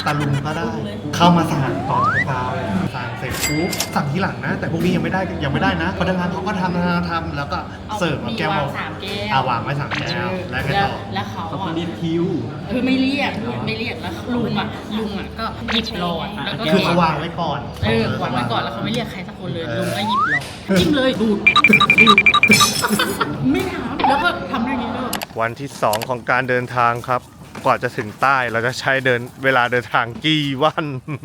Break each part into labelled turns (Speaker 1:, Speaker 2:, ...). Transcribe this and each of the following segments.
Speaker 1: ตาลุงก็ได้เข้ามาสั่งตอนเช้าเลยสั่งเสร็จปุ๊บสั่งทีหลังนะ แต่พวกนี้ยังไม่ได้นะพนักงานเขาก็ทำแล้วก็เสิร์ฟมาแก้ว
Speaker 2: วาง3 แก้ว
Speaker 1: วางไว้3 แก้วแล้วไงต่อ
Speaker 2: แล้วเขา
Speaker 3: เขาเรียกคิว
Speaker 2: ไม่เรียกแล้วลุงอ่ะก็หยิบหลอดแล้วก็
Speaker 1: คือเขาวางไว้ก่อน
Speaker 2: วางไว้ก่อนแล้วเขาไม่เรียกใครสักคนเลยลุงก็หยิบหลอดจิ้มเลยดูดไม่ถามแล้วก็ทำได้อย่างนี้เลย
Speaker 1: วันที่ 2 ของการเดินทางครับกว่าจะถึงใต้เราจะใช้เวลาเดินทางกี่วัน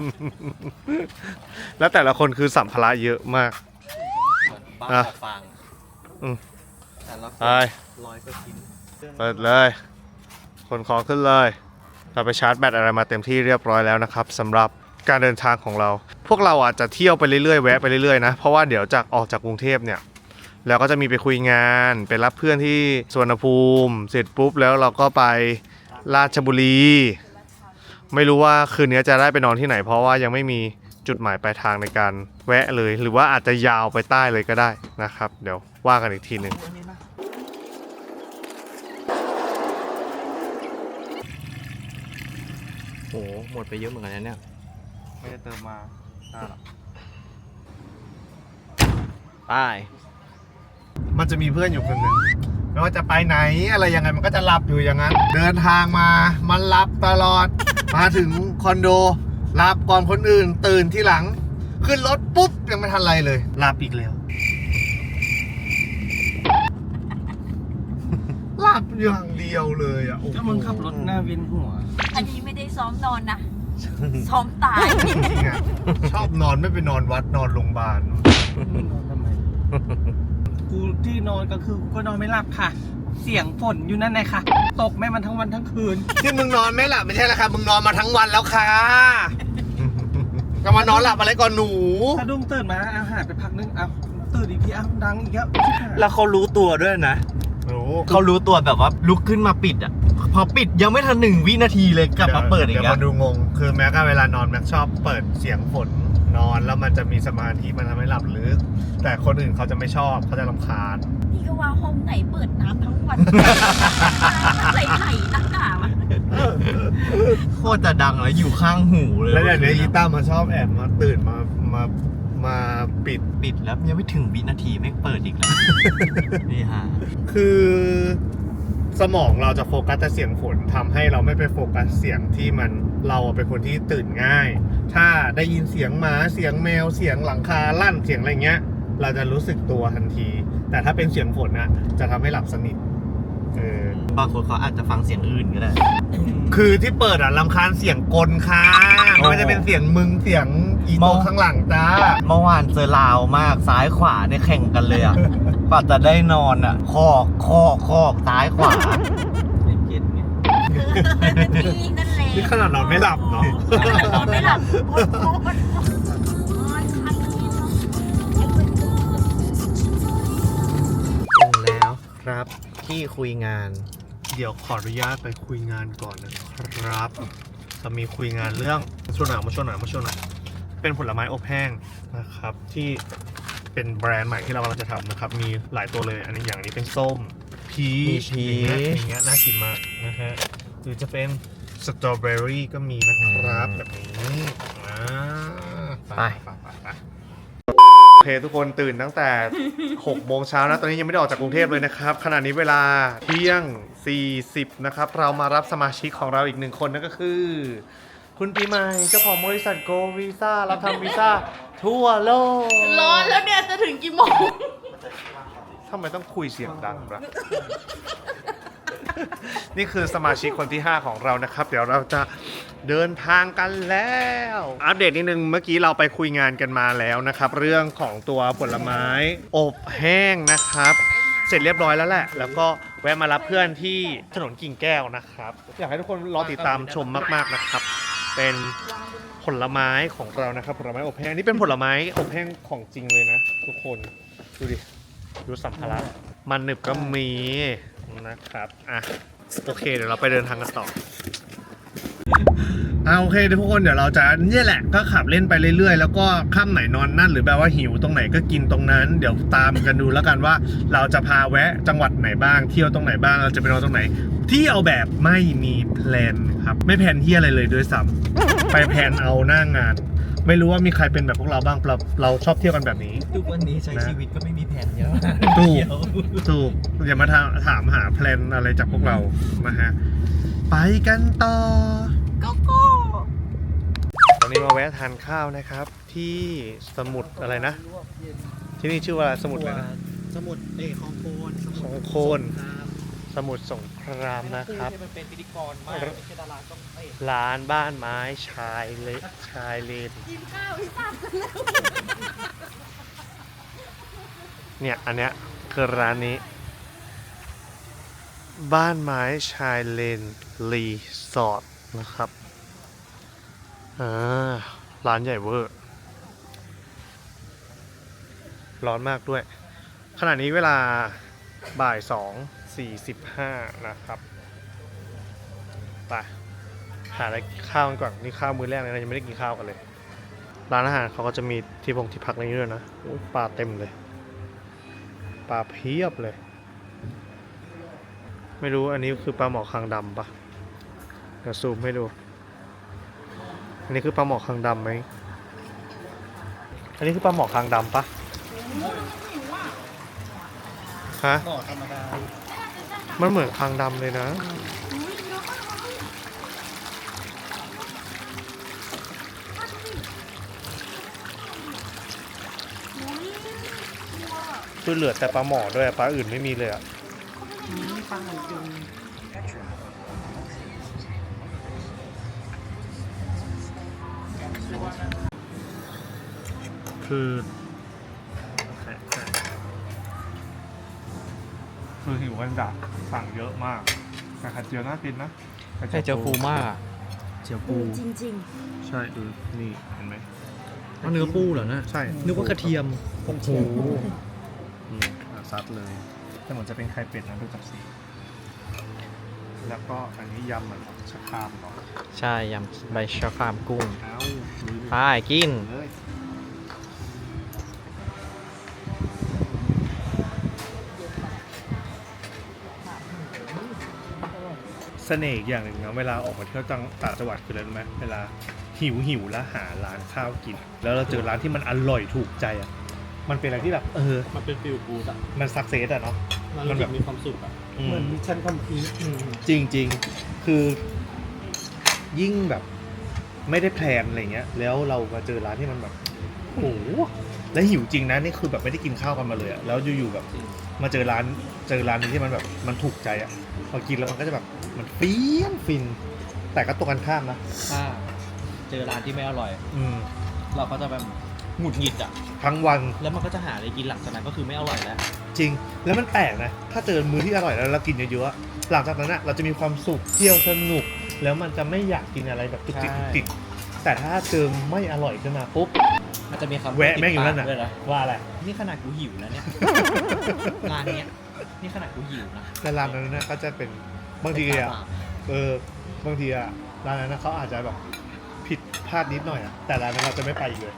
Speaker 1: แล้วแต่ละคนคือสัมภาระเยอะมาก
Speaker 3: บ้าฟาง แต่ละ
Speaker 1: ไป
Speaker 3: 100กว่าชิ้น
Speaker 1: เปิดเลยขนของขึ้นเลยเราไปชาร์จแบตอะไรมาเต็มที่เรียบร้อยแล้วนะครับสำหรับการเดินทางของเรา พวกเราอาจจะเที่ยวไปเรื่อยๆแวะไปเรื่อยๆนะเพราะว่าเดี๋ยวจากออกจากกรุงเทพเนี่ยแล้วก็จะมีไปคุยงานไปรับเพื่อนที่สวนภูมิเสร็จปุ๊บแล้วเราก็ไปราชบุรีไม่รู้ว่าคืนนี้จะได้ไปนอนที่ไหนเพราะว่ายังไม่มีจุดหมายปลายทางในการแวะเลยหรือว่าอาจจะยาวไปใต้เลยก็ได้นะครับเดี๋ยวว่ากันอีกทีหนึ่ง
Speaker 3: โอ้หมดไปเยอะเหมือนกันนะเนี่ย
Speaker 1: ไม่ได้เติมมาหรอก
Speaker 3: ไป
Speaker 1: มันจะมีเพื่อนอยู่คนหนึ่งไม่ว่าจะไปไหนอะไรยังไงมันก็จะหลับอยู่อย่างนั้นเดินทางมามันหลับตลอด มาถึงคอนโดหลับก่อนคนอื่นตื่นที่หลังขึ้นรถปุ๊บยังไม่ทันไรเลยหลับอีกแล้ว หลับอย่างเดียวเลยอ่ะ
Speaker 3: ก็มึงขับรถหน้าเวียนหัว
Speaker 4: อันนี้ไม่ได้ซ้อมนอนนะ ซ้อมตาย
Speaker 1: ชอบนอนไม่ไปนอนวัดนอนโรงพยาบาล
Speaker 3: นอนทำไม กูที่นอนก็คือกูก็นอนไม่หลับค่ะ เสียงฝนอยู่นั่นไงค่ะ ตกแม่มันทั้งวันทั้งคืน
Speaker 1: ที่มึงนอนไม่หลับไม่ใช่ละค่ะมึงนอนมาทั้งวันแล้วค่ะก็มานอนหลับอะไรก่อนหนู
Speaker 3: สะดุ้งตื่นมาอาหารไปพักนึงเอาตื่นอีกทีเอาดังอีกแล้ว
Speaker 5: แล้วเขารู้ตัวด้วยนะ
Speaker 1: รู้
Speaker 5: เขารู้ตัวแบบว่าลุกขึ้นมาปิดอ่ะ พอปิดยังไม่ทัน1 วินาทีเลยกลับมาเปิดอีก
Speaker 1: เดี๋ยว
Speaker 5: แล้ว
Speaker 1: มาดูงง คือแม้ก็เวลานอนแม็กชอบเปิดเสียงฝนนอนแล้วมันจะมีสมาธิมันทำให้หลับลึก แต่คนอื่นเขาจะไม่ชอบเขาจะรำคาญ
Speaker 4: นี่ก็ว่าห้องไหนเปิดน้ำทั้งวัน ไหลๆนักหนาวะ
Speaker 5: โคตรจะดังเลยอยู่ข้างหูเลย
Speaker 1: แล้วอย่างนี้อีต้ามาชอบแอบมาตื่นมาปิด
Speaker 5: ปิดแล้วยังไม่ถึงวินาทีไม่เปิดอีกแล้ว นี่ฮะ
Speaker 1: คือสมองเราจะโฟกัสแต่เสียงฝนทำให้เราไม่ไปโฟกัสเสียงที่มันเราเป็นคนที่ตื่นง่าย ถ้าได้ยินเสียงหมาเสียงแมวเสียงหลังคาลั่นเสียงอะไรเงี้ย เราจะรู้สึกตัวทันที แต่ถ้าเป็นเสียงฝนนะจะทำให้หลับสนิท
Speaker 5: บางคนเขาอาจจะฟังเสียงอื่นก็ได้
Speaker 1: คือที่เปิดรำคาญเสียงกลค่ะไม่ว่าจะเป็นเสียงมึงเสียงอีโตข้างหลังจ้า
Speaker 5: เมื่อวานเจอลาวมากซ้ายขวาเนี่ยแข่งกันเลยอ่ะ กว่าจะได้นอนอ่ะคอกซ้ายขวาเย็นๆไง
Speaker 4: นี่นั่นแหละ
Speaker 1: นี่ขนาดนอนไม่หลับเนาะ
Speaker 4: นอนไม่หลับโอ๊ยโอ๊ยคันนี้เนาะ
Speaker 5: ถึงแล้วครับที่คุยงาน
Speaker 1: เดี๋ยวขออนุญาตไปคุยงานก่อนนะครับจะมีคุยงานเรื่องมาช่วงหน่อยเป็นผลไม้อบแห้งนะครับที่เป็นแบรนด์ใหม่ที่เรากำลังจะทำนะครับมีหลายตัวเลยอันนี้อย่างนี้เป็นส้มพีชอย่างเงี้ยน่ากินมากนะฮะหรือจะเป็นสตรอเบอรี่ก็มีนะครับแบบนี้
Speaker 5: ไป
Speaker 1: โอเคทุกคนตื่นตั้งแต่ 6 โมงเช้านะตอนนี้ยังไม่ได้ออกจากกรุงเทพเลยนะครับขณะนี้เวลาเที่ยง 40นะครับเรามารับสมาชิกของเราอีก1 คนนั่นก็คือคุณปีใหม่เจ้าของบริษัทโกวีซ่ารับทำวีซ่าทั่วโลก
Speaker 2: ร้อนแล้วเนี่ยจะถึงกี่โมง
Speaker 1: ทำไมต้องคุยเสียงดังล่ะ นี่คือสมาชิกคนที่ 5 ของเรานะครับเดี๋ยวเราจะเดินทางกันแล้วอัปเดตนิดนึงเมื่อกี้เราไปคุยงานกันมาแล้วนะครับเรื่องของตัวผลไม้อบแห้งนะครับเสร็จเรียบร้อยแล้วแหละแล้วก็แวะมารับเพื่อนที่ถนนกิ่งแก้วนะครับอยากให้ทุกคนรอติดตามชมมากๆนะครับเป็นผลไม้ของเรานะครับผลไม้อบแห้งนี่เป็นผลไม้อบแห้งของจริงเลยนะทุกคนดูดิดูสัมภาระมันหนึบก็มีนะครับอ่ะโอเคเดี๋ยวเราไปเดินทางกันต่อโอเคทุกคนเดี๋ยวเราจะเนี่ยแหละก็ขับเล่นไปเรื่อยๆแล้วก็ค่ำไหนนอนนั่นหรือแบบว่าหิวตรงไหนก็กินตรงนั้นเดี๋ยวตามกันดูแล้วกันว่าเราจะพาแวะจังหวัดไหนบ้างเที่ยวตรงไหนบ้างเราจะไปนอนตรงไหนเที่ยวแบบไม่มีแพลนครับไม่แพลนที่อะไรเลยด้วยซ้ำไปแพลนเอาหน้างาน ไม่รู้ว่ามีใครเป็นแบบพวกเราบ้างเราชอบเที่ยวกันแบบนี้
Speaker 5: ทุกวันนี้ใช้ชีวิตก็ไม่มีแผนเยอะ
Speaker 1: ถูกอย่ามาถามหาแพลนอะไรจากพวกเรานะฮะไปกันต่อ
Speaker 4: ก็โก้
Speaker 1: ตอนนี้มาแวะทานข้าวนะครับ ที่สมุทรอะไรนะ ที่นี่ชื่อว่าสมุทรอะไรนะ
Speaker 5: สมุดคลองโคน
Speaker 1: คลองโคน สมุทรสงครามนะครับ
Speaker 5: มันเป็นพิธีกรมากไม่ใช่ดาราต้องเตะ
Speaker 1: ร้านบ้านไม้ชายเลน
Speaker 4: กินข้าวที่ทราบกันแล้ว
Speaker 1: เนี่ยอันเนี้ยคือร้านนี้ บ้านไม้ชายเลนรีสอร์ทนะครับร้านใหญ่เวอร์ร้อนมากด้วยขณะนี้เวลาบ่าย 2:45 นะครับไปหาอะไรข้าวกันก่อนนี่ข้าวมื้อแรกเลยนะยังไม่ได้กินข้าวกันเลยร้านอาหารเขาก็จะมีที่พักในนี้ด้วยนะโอ้ยปลาเต็มเลยปลาเพียบเลยไม่รู้อันนี้คือปลาหมอคางดำปะเดี๋ยวซูมให้ดูอันนี้คือปลาหมอคางดำไหมอันนี้คือปลาหมอคางดำปะฮะ
Speaker 5: หม้อธรรมดา
Speaker 1: มันเหมือนคางดำเลยนะคือเหลือแต่ปลาหมอด้วยปลาอื่นไม่มีเลยอ่ะคือหิวกันจัดสั่งเยอะมากแต่ไข่เจียวน่ากินนะ
Speaker 5: ไข่เจียวฟูมากเจียวปู
Speaker 4: จริง
Speaker 1: ใช่ดูนี่เห็นไหม
Speaker 5: เนื้อปูเหรอนะ
Speaker 1: ใช่
Speaker 5: นึกว่ากระเทียม
Speaker 1: โอ้โหซัดเลยแต่เหมือนจะเป็นไข่เป็ดนะดูจากสีแล้วก็อันนี้ยำมันชะครามเนาะ
Speaker 5: ใช่ยำใบชะครามกุ้ง
Speaker 1: เอ้า
Speaker 5: ไปกิน
Speaker 1: เลยเสน่ห์อีกอย่างหนึ่งนะเวลาออกมาเที่ยวต่างจังหวัดคืออะไรรู้ไหมเวลาหิวแล้วหาร้านข้าวกิน แล้วเราเจอร้านที่มันอร่อยถูกใจอ่ะมันเป็นอะไรที่แบบ
Speaker 5: มันเป็นฟิลกูดอะ
Speaker 1: มันสักเซสอ่ะเนาะมันแบบ
Speaker 5: มีความสุขอะ
Speaker 3: เหมือนมิชชั่นคอมพลีท
Speaker 1: จริงๆ คือยิ่งแบบไม่ได้แพลนอะไรเงี้ยแล้วเรามาเจอร้านที่มันแบบโอ้โหแล้วหิวจริงนะนี่คือแบบไม่ได้กินข้าวกันมาเลยอะแล้วอยู่ๆแบบมาเจอร้านนึงที่มันแบบมันถูกใจอะพอกินแล้วมันก็จะแบบมันเปรี้ยนฟิน แต่ก็ตรงกันข้ามนะ
Speaker 5: ถ้าเจอร้านที่ไม่อร่อย เราก็จะแบบหงุดหงิดอ่ะ
Speaker 1: ทั้งวัน
Speaker 5: แล้วมันก็จะหาอะไรกินหลังจากนั้นก็คือไม่อร่อยแล้ว
Speaker 1: จริงแล้วมันแปลกนะถ้าเจอมื้อที่อร่อยแล้วเรากินเยอะๆหลังจากนั้นอะเราจะมีความสุขเที่ยวสนุกแล้วมันจะไม่อยากกินอะไรแบบจุกจิกจุกจิกแต่ถ้าเจอไม่อร่อยขึ้นมาปุ๊บ
Speaker 5: มันจะมีคำ
Speaker 1: แวะแม่งอยู่นั่นน่ะ
Speaker 5: ด้วยนะ
Speaker 1: ว่าอะไร
Speaker 5: นี่ขนาดกูหิวแล้วเนี่ย ร้านเนี้ยนี่ขนาดกูหิวนะ
Speaker 1: แต่ร้านนั้นนะก็จะเป็นบางทีอ่ะบางทีอ่ะร้านนั้นนะเขาอาจจะแบบผิดพลาดนิดหน่อยอ่ะแต่ร้านนั้นเราจะไม่ไปอีกเลย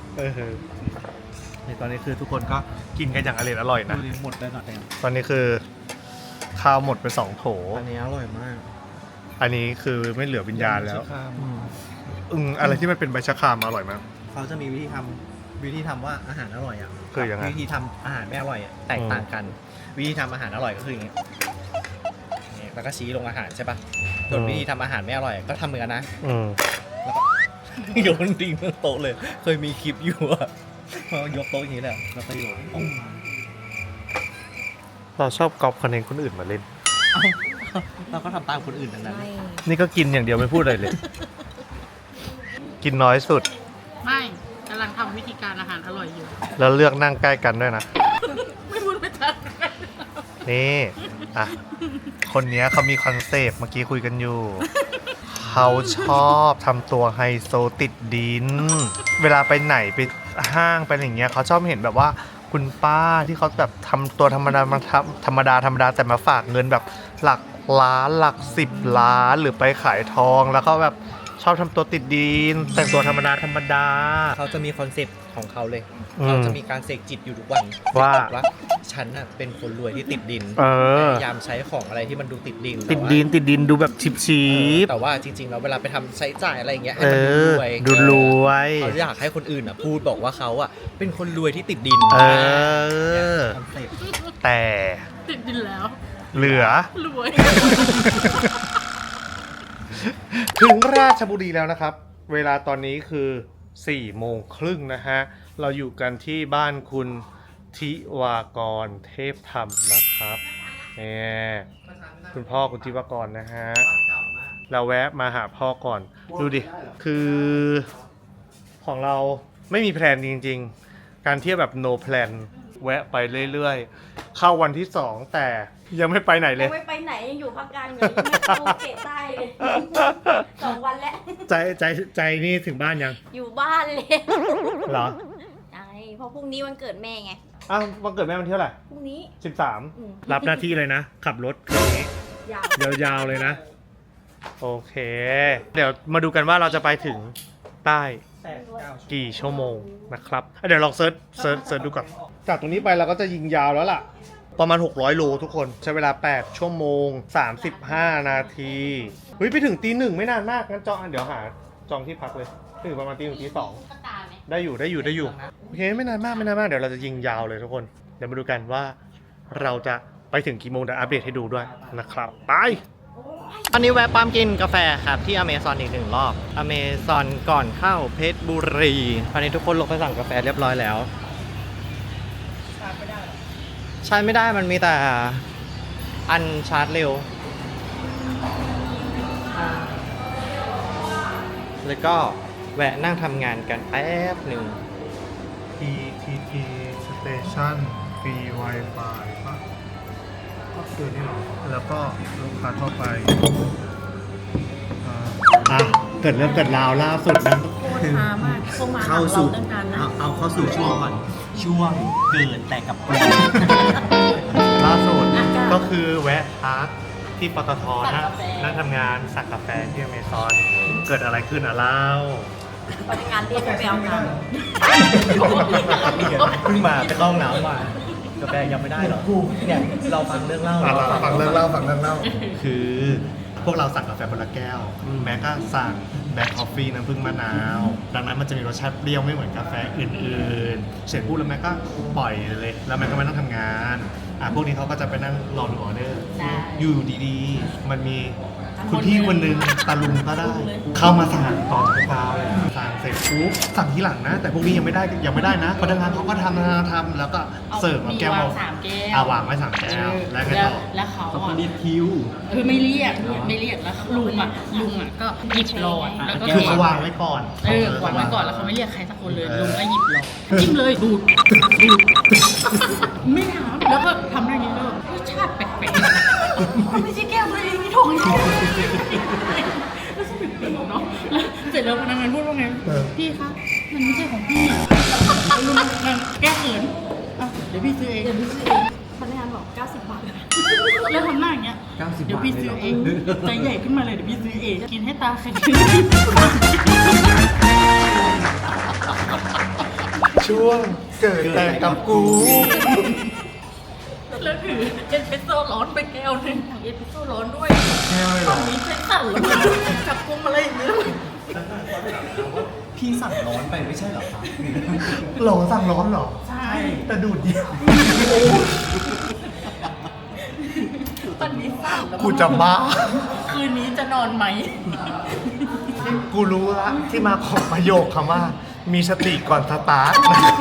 Speaker 1: ในตอนนี้คือทุกคนก็กินกันอย่างอร่อยนะ
Speaker 5: ดูดิหมดเลยหน่อย
Speaker 1: ตอนนี้คือข้าวหมดไป2 โถ
Speaker 5: อันนี้อร่อยมาก
Speaker 1: อันนี้คือไม่เหลือวิญญาณแล้วอะไรที่มันเป็นใบชะครามอร่อยมาก
Speaker 5: เขาจะมีวิธีทำว่าอาหารอร่อยอ่ะ
Speaker 1: คือยังไง
Speaker 5: วิธีทำอาหารไม่อร่อยอะแตกต่างกัน วิธีทำอาหารอร่อยก็คืออย่างนี้แล้วก็ชี้ลงอาหารใช่ปะส่วนวิธีทำอาหารไม่อร่อยก็ทำเหมือนกันนะแล้วก็โยนทิ้งบนโต๊ะเลย เคยมีคลิปอยู่อะพอยกโต๊ะอย่างนี้แหละแล้วก็โยน
Speaker 1: เราชอบก๊อปคอนเทนต์คนอื่นมาเล่น
Speaker 5: เราก็ทำตามคนอื่นทั้งนั้น
Speaker 4: ไม่
Speaker 1: นี่ก็กินอย่างเดียวไม่พูดอะไรเลย กินน้อยสุด
Speaker 2: ไม่กำลังทำวิธีการอาหารอร่อยอยู่
Speaker 1: แล้วเลือกนั่งใกล้กันด้วยนะ
Speaker 2: ไม่พูดไม่ทัน
Speaker 1: นี่อ่ะคนเนี้ยเขามีคอนเซปต์เมื่อกี้คุยกันอยู่ เขาชอบทำตัวไฮโซติดดิน เวลาไปไหนไปห้างไปอย่างเงี้ยเขาชอบเห็นแบบว่าคุณป้าที่เขาแบบทำตัวธรรมดามาธรรมดาแต่มาฝากเงินแบบหลักล้านหลัก10 ล้านหรือไปขายทองแล้วก็แบบชอบทำตัวติดดิน แต่งตัวธรรมดา
Speaker 5: เขาจะมีคอนเซปต์ของเขาเลย
Speaker 1: อืม
Speaker 5: เขาจะมีการเสกจิตอยู่ทุกวัน
Speaker 1: ว่า
Speaker 5: ว่าฉันน่ะเป็นคนรวยที่ติดดิน
Speaker 1: เออ
Speaker 5: พยายามใช้ของอะไรที่มันดูติดดิน
Speaker 1: ติดดินดูแบบชิบ
Speaker 5: แต่ว่าจริงๆแล้วเวลาไปทำใช้จ่ายอะไรอย่างเงี้ย
Speaker 1: ๆ
Speaker 5: ให้มันดูรวย
Speaker 1: ดูรวย
Speaker 5: เขาอยากให้คนอื่นอ่ะพูดบอกว่าเขาอ่ะเป็นคนรวยที่ติดดิน
Speaker 1: เออ
Speaker 5: คอนเซ็ปต์
Speaker 1: แต่
Speaker 2: ติดดินแล้ว
Speaker 1: เหลือ
Speaker 2: รวย
Speaker 1: ถึงราชบุรีแล้วนะครับ เวลาตอนนี้คือ4 โมงครึ่งนะฮะ เราอยู่กันที่บ้านคุณทิวากรเทพธรรมนะครับเนี่ยคุณพ่อคุณทิวากรนะฮะ เราแวะมาหาพ่อก่อน ดูดิ คือของเราไม่มีแพลนจริงๆ การเที่ยวแบบ no plan แวะไปเรื่อยๆ เข้าวันที่ 2 แต่ยังไม่ไปไหนเลย
Speaker 4: ยังไม่ไปไหนยังอยู่ภาคกลางอยู่ยังไม่เข้าเขตใต้เลย 2 วันแล้ว
Speaker 1: ใจนี่ถึงบ้านยัง
Speaker 4: อยู่บ้านเลย
Speaker 1: เหรอ
Speaker 4: ใช่เพราะพรุ่งนี้วันเกิดแม่ไง
Speaker 1: อ้าววันเกิดแม่วันที่เท่าไหร่
Speaker 4: พรุ่งนี้
Speaker 1: 13 รับหน้าที่เลยนะ ขับรถคืนนี้
Speaker 4: ยาว
Speaker 1: ยาวๆเลยนะ โอเค เดี๋ยวมาดูกันว่าเราจะไปถึงใต้กี่ชั่วโมงนะครับเดี๋ยวลองเซิร์ชดูก่อน จากตรงนี้ไปเราก็จะยิงยาวแล้วล่ะ ประมาณ 600 โลทุกคน ใช้เวลา 8 ชั่วโมง 35 นาที เฮ้ย ไปถึงตี 1ไม่นานมาก งั้นเดี๋ยวหาจองที่พักเลย ถึงประมาณตี 1ตี 2ได้อยู่ โอเค ไม่นานมาก เดี๋ยวเราจะยิงยาวเลยทุกคน เดี๋ยวมาดูกันว่าเราจะไปถึงกี่โมงเดี๋ยวอัปเดตให้ดูด้วยนะครับ ไป
Speaker 5: อันนี้แวะปั๊มกินกาแฟครับที่อเมซอนอีก1 รอบอเมซอนก่อนเข้าเพชรบุรีตอนนี้ทุกคนลงไปสั่งกาแฟเรียบร้อยแล้วชาร์จไม่ได้มันมีแต่อันชาร์จเร็วแล้วก็แวะนั่งทำงานกันแป๊บหนึ่ง
Speaker 1: PTT Station ฟรี Wi-Fi ป่ะก็คือนี่หรอ แล้วก็ลูกค้าทั่วไปเกิดเรื่องเกิดราวล่าสุดนะ
Speaker 2: โคตรช้ามากพวกมา
Speaker 5: เข้าสู่
Speaker 2: ตั้งการนะ
Speaker 5: เอาเข้าสู่ช่วงก่อนช่วงเกิดแต่กับกู
Speaker 1: ล่าสุดก็คือแวะพักที่ปตทนะนั่งทำงานสั่งกาแฟที่อเมซอนเกิดอะไรขึ้นอ่ะเล่า
Speaker 4: บริการเรียกไปเอากัน
Speaker 5: เพิ่งมาไปเข้าห้องน้ำมากาแฟยังไม่ได้หรอเนี่ยเราฟังเรื่องเล่า
Speaker 1: ฟังเรื่องเล่าคือพวกเราสั่งกาแฟคนละแก้ว แม็กก็สั่งแบล็คคอฟฟี่น้ำผึ้งมะนาว ดังนั้นมันจะมีรสชาติเปรี้ยวไม่เหมือนกาแฟอื่นๆ เสร็จปุ๊บแล้วแม็กก็ปล่อยเลย แล้วแม็กก็ไม่ต้องทำงานพวกนี้เขาก็จะไปนั่งรอดูออเดอร์ อยู่ดีๆ มันมีคุณพี่คนนึงตาลุงก็ได้ เข้ามาสั่งต่อจากเราสั่งเสร็จปุ๊บสั่งทีหลังนะ แต่พวกนี้ยังไม่ได้นะพนักงานเขาก็ทำแล้วก็เสิร์ฟมาแก้ว
Speaker 2: วาง3 แก้ว
Speaker 1: วางไว้3 แก้วแล้วก็ต่อ
Speaker 2: แล้วเขา
Speaker 5: เขา
Speaker 2: อ่ะ
Speaker 5: เรียกคิว
Speaker 2: ไม่เรียกแล้วลุงอ่ะก็หยิบหลอดแล้วก็
Speaker 1: คือเขาวางไว้ก่อน
Speaker 2: วางไว้ก่อนแล้วเขาไม่เรียกใครสักคนเลยลุงก็หยิบหลอดจิ้มเลยดูดไม่ถามแล้วก็ทำได้นี้เลยรสชาติแปลกๆ
Speaker 4: ไม่ใช่แก้วตัวเองนี่ถุง
Speaker 2: แล้วสนุกดีเนาะแล้วเสร็จแล้วพนักงานพูดว่าไงพี่คะมันไม่ใช่ของพี่ลุงมันแก้เขินอ่ะเดี๋ยวพี่ซื้อเอง
Speaker 4: พนักงานบอก 90 บาท
Speaker 2: แล้วทำหน้าอย่างเงี้ยเดี๋ยวพี่ซื้อเองใจใหญ่ขึ้นมาเลยเดี๋ยวพี่ซื้อเองกินให้ตาแข็ง
Speaker 1: ช่วงเกิดแต่กับกู
Speaker 2: แล้วถือเอสเปรสโซ่ร้อนไปแก้วหนึงเอสเปรสโซ่ร้อนด้วย
Speaker 1: แก้วเลยเหรอ
Speaker 2: มีใช้สั่นแล้วนะจับพวงมาลัยอย่างเงี้ย
Speaker 5: พี่สั่งร้อนไปไม่ใช่เหรอครับ
Speaker 1: หรอสั่งร้อนเหรอ
Speaker 2: ใช่
Speaker 1: แต่ดูดเดียว
Speaker 2: ตอนนี้สั่นแล้ว
Speaker 1: กูจะบ้า
Speaker 2: คืนนี้จะนอนไหม
Speaker 1: กูรู้ละที่มาของประโยคคำว่า มีสติก่อนสตาร์ท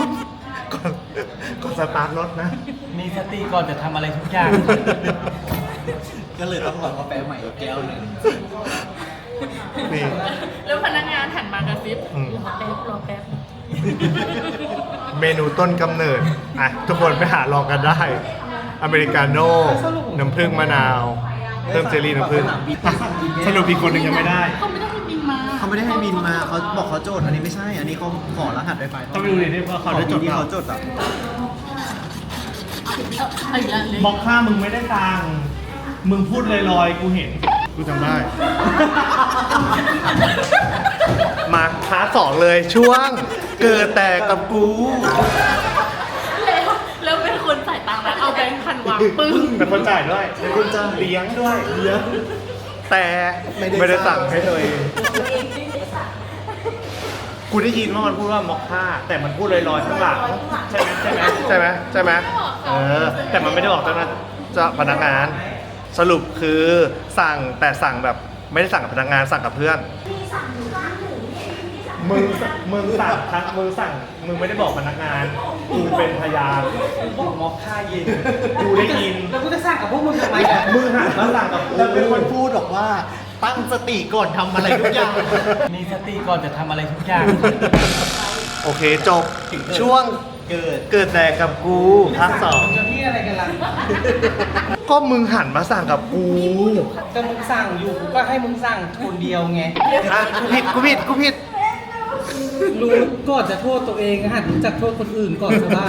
Speaker 1: ก่อนสตาร์ทรถนะ
Speaker 5: มีสติก่อนจะทำอะไรทุกอย่าง ก็เลยต้องรอกาแฟใหม่อีกแก้วหนึ่ง
Speaker 1: นี่
Speaker 2: แล้วพนักงานหันมากระซิบ
Speaker 1: อืม
Speaker 2: รอแป๊บ
Speaker 1: เมนูต้นกำเนิดทุกคนไปหาลองกันได้ อเมริกาโน่น้ำผึ้งมะนาว เพิ่มเจลลี่น้ำผึ้งสรุปอีกคนหนึ่งยังไม่ได้
Speaker 2: เขาไม่ได้ให้บินมา
Speaker 5: เขาไม่ได้ให้บินมาเขาบอกเขาโจทย์อันนี้ไม่ใช่ อันนี้เขาขอรหัสไวไฟ
Speaker 1: ต้องไปดูดิที่ว่าเขาได้จด
Speaker 5: ที่
Speaker 1: เปล่า
Speaker 5: เขาจดอ่ะ
Speaker 2: เอาอีกแล้วเลย
Speaker 1: บอกค่ามึงไม่ได้ตังค์มึงพูดลอยๆกูเห็น กูจำได้ มาพาร์ท 2เลยช่วงเกิดแต่กับกู
Speaker 2: แล้วเป็นคนสายตาแล้วเอาปึ้ง
Speaker 1: เป็นคนจ่ายด้วยเป็นคนจ่ายเลี้ยงด้วยเลี้ยงแต่ไม่ได้สั่งให้ตัวเองกูได้ยินว่ามันพูดว่ามอคค่าแต่มันพูดลอยๆข้างหลังใช่ไหมแต่มันไม่ได้บอกเจ้าหน้าพนักงานสรุปคือสั่งแต่สั่งแบบไม่ได้สั่งกับพนักงานสั่งกับเพื่อนมึงสั่งครับมึงไม่ได้บอกพนักงานกูเป็นพยาน
Speaker 3: บอกมอคค่าเย็น
Speaker 1: กูได้ยิน
Speaker 3: แล้วกูจะสั่งกับพวกมึงทำไมอ่ะ
Speaker 1: มึงหันมาสั่งกับกู
Speaker 5: แล้วเป็นคนพูดบอกว่าตั้งสติก่อนทำอะไรทุกอย่าง
Speaker 3: มีสติก่อนจะทำอะไรทุกอย่าง
Speaker 1: โอเคจบช่วงเกิดแต่กับกูภาค
Speaker 3: มึงจะพี่อะไรกันล่ะ
Speaker 1: 2ก็มึงหันมาสั่งกับกู
Speaker 3: ก็มึงสั่งอยู่กูก็ให้มึงสั่งคนเดียวไง
Speaker 1: อ่ะกูผิด
Speaker 3: รู้ก่อนจะโทษตัวเองหัดรู้จักโทษคนอื่นก่อนซะบ้าง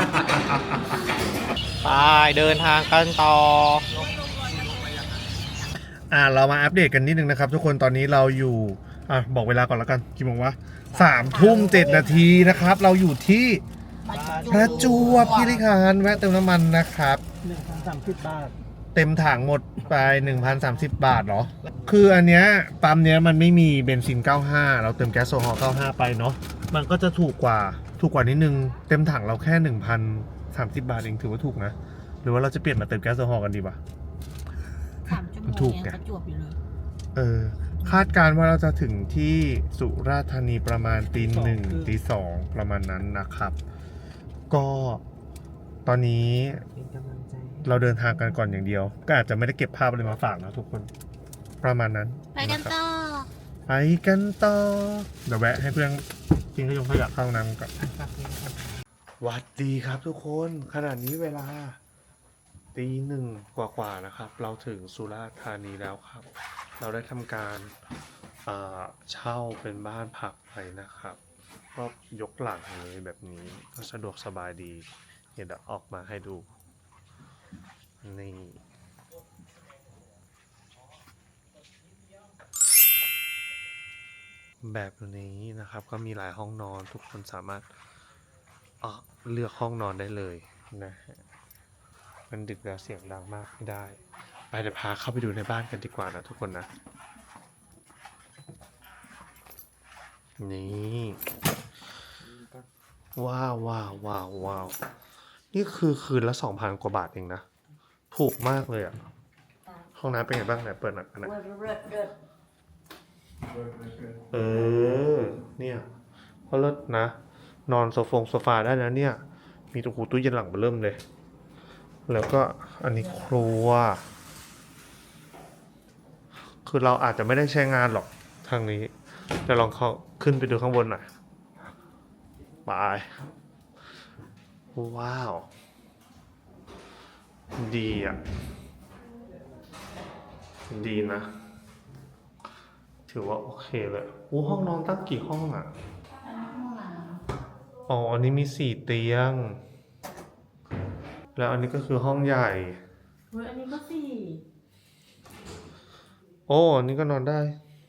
Speaker 5: ไปเดินทางกันต่อ
Speaker 1: เรามาอัปเดตกันนิดนึงนะครับทุกคนตอนนี้เราอยู่บอกเวลาก่อนแล้วกันกี่โมงวะ3:07 นาทีนะครับเราอยู่ที่ประจวบคีรีขันธ์แวะเติมน้ำมันนะครับ
Speaker 3: 1,030 บาท
Speaker 1: เต็มถังหมดไป 1,030 บาทเหรอคืออันเนี้ยปั๊มเนี้ยมันไม่มีเบนซิน 95 เราเติมแก๊สโซฮอล์ 95 ไปเนาะมันก็จะถูกกว่านิดนึงเต็มถังเราแค่ 1,030 บาทเองถือว่าถูกนะหรือว่าเราจะเปลี่ยนมาเติมแก๊สโซฮอล์กันดีวะ
Speaker 4: 3 ชั่วโมง
Speaker 1: ถูก
Speaker 4: ยัง
Speaker 1: ไง
Speaker 4: ประจวบอยู่เลย
Speaker 1: คาดการณ์ว่าเราจะถึงที่สุราษฎร์ธานีประมาณตี 1 ตี 2ประมาณนั้นนะครับ ก็ตอนนี้เราเดินทางกันก่อนอย่างเดียว ก็อาจจะไม่ได้เก็บภาพอะไรมาฝากนะทุกคนประมาณนั้น
Speaker 4: ไปกันต่อ
Speaker 1: ไปกันต่อเดี๋ยวแวะให้เพื่อนกินขยะเข้าน้ำกับหวัดดีครับทุกคนขณะนี้เวลาตี 1 กว่าๆนะครับ เราถึงสุราษฎร์ธานีแล้วครับ เราได้ทำการเช่าเป็นบ้านพักไปนะครับก็ยกหลังเลยแบบนี้ก็สะดวกสบายดีเดี๋ยวออกมาให้ดูนี่แบบนี้นะครับก็มีหลายห้องนอนทุกคนสามารถเลือกห้องนอนได้เลยนะฮะมันดึกแล้วเสียงดังมากไม่ได้ไปเดี๋ยวพาเข้าไปดูในบ้านกันดีกว่านะทุกคนนะนี่ว้าวนี่คือคืนละ 2,000 กว่าบาทเองนะถูกมากเลยอ่ะห้องน้ำเป็นไงบ้างไหนเปิดหน่อยนะเนี่ยก็เลิศนะนอนโซฟาได้นะเนี่ยมีตู้เย็นหลังเริ่มเลยแล้วก็อันนี้ครัวคือเราอาจจะไม่ได้ใช้งานหรอกทางนี้แต่ลองเข้าขึ้นไปดูข้างบนหน่อยไปว้าวดีอ่ะดีนะถือว่าโอเคเลยห้องนอนตั้งกี่ห้องอ่ะอันนี้มี4 เตียงแล้วอันนี้ก็คือห้องใหญ่
Speaker 2: อันนี้ก็4
Speaker 1: อันนี้ก็นอนได้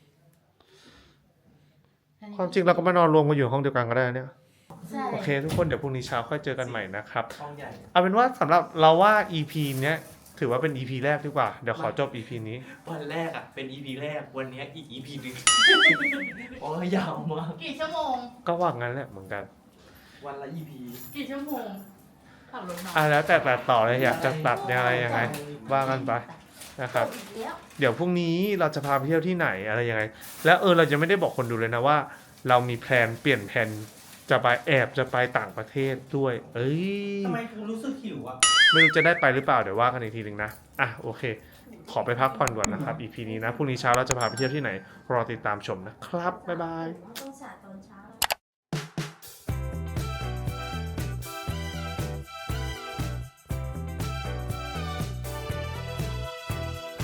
Speaker 1: ความจริงเราก็มานอนรวมกันอยู่ห้องเดียวกันก็ได้เนี่ยโอเคทุกคนเดี๋ยวพรุ่งนี้เช้าค่อยเจอกันใหม่นะครับเอาเป็นว่าสำหรับเราว่า EP เนี้ยถือว่าเป็น EP แรกดีกว่าเดี๋ยวขอจบ EP นี้
Speaker 5: วันแรกอ่ะเป็น EP แรกวันนี้อีก EP หนึ่งโอ้ยยาวมาก
Speaker 2: กี่ชั่วโมง
Speaker 1: ก็ว่างั้นแหละเหมือนกัน
Speaker 5: วันละ EP
Speaker 2: กี่ชั่วโมงขับรถมา
Speaker 1: แล้วแต่ตัดต่อเลยอยากจะตัดยังไงว่ากันไปนะครับเดี๋ยวพรุ่งนี้เราจะพาไปเที่ยวที่ไหนอะไรยังไงแล้วเราจะไม่ได้บอกคนดูเลยนะว่าเรามีแพลนเปลี่ยนแผนจะไปต่างประเทศด้วย
Speaker 3: ทำไมกูรู้สึกหิวอ่ะ
Speaker 1: ไม่รู้จะได้ไปหรือเปล่าเดี๋ยวว่ากันอีกทีหนึ่งนะโอเคขอไปพักผ่อนก่อนนะครับ EP นี้นะพรุ่งนี้เช้าเราจะพาไปเที่ยวที่ไหนรอติดตามชมนะครับบ๊ายบาย
Speaker 4: ต้องสาตอนเช้า